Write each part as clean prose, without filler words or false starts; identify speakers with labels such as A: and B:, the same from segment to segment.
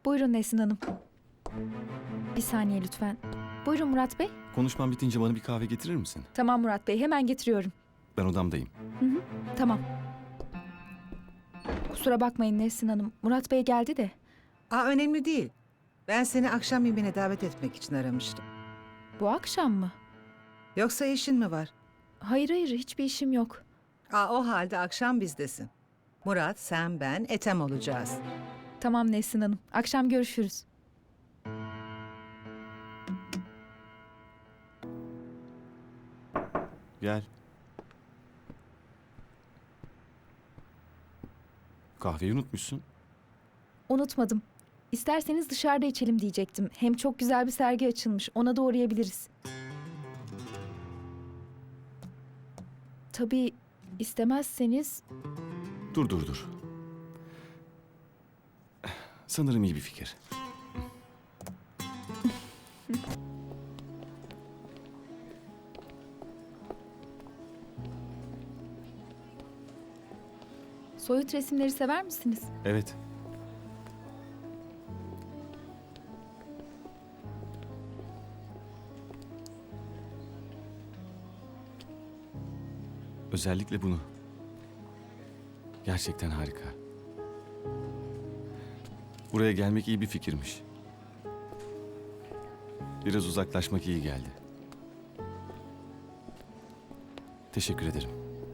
A: Buyurun Nesrin Hanım. Bir saniye lütfen. Buyurun Murat Bey.
B: Konuşmam bitince bana bir kahve getirir misin?
A: Tamam Murat Bey, hemen getiriyorum.
B: Ben odamdayım.
A: Tamam. Kusura bakmayın Nesrin Hanım. Murat Bey geldi de.
C: Önemli değil. Ben seni akşam yemeğine davet etmek için aramıştım.
A: Bu akşam mı?
C: Yoksa işin mi var?
A: Hayır hiçbir işim yok.
C: O halde akşam bizdesin. Murat, sen, ben, Ethem olacağız.
A: Tamam Nesrin Hanım. Akşam görüşürüz.
B: Gel. Kahveyi unutmuşsun.
A: Unutmadım. İsterseniz dışarıda içelim diyecektim. Hem çok güzel bir sergi açılmış. Ona da uğrayabiliriz. Tabii istemezseniz...
B: Dur. Sanırım iyi bir fikir.
A: Soyut resimleri sever misiniz?
B: Evet. Özellikle bunu. Gerçekten harika. Buraya gelmek iyi bir fikirmiş. Biraz uzaklaşmak iyi geldi. Teşekkür ederim.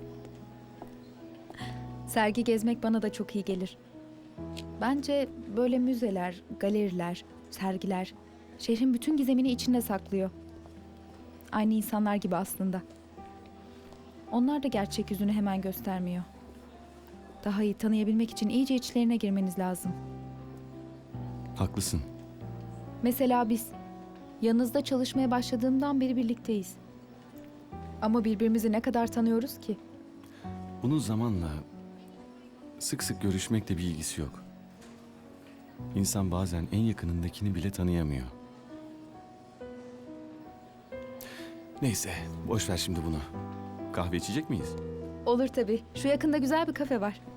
A: Sergi gezmek bana da çok iyi gelir. Bence böyle müzeler, galeriler, sergiler şehrin bütün gizemini içinde saklıyor. Aynı insanlar gibi aslında. Onlar da gerçek yüzünü hemen göstermiyor. Daha iyi tanıyabilmek için iyice içlerine girmeniz lazım.
B: Haklısın.
A: Mesela biz yanınızda çalışmaya başladığımdan beri birlikteyiz. Ama birbirimizi ne kadar tanıyoruz ki?
B: Bunun zamanla sık sık görüşmekle bir ilgisi yok. İnsan bazen en yakınındakini bile tanıyamıyor. Neyse, boş ver şimdi bunu. Kahve içecek miyiz?
A: Olur tabii. Şu yakında güzel bir kafe var.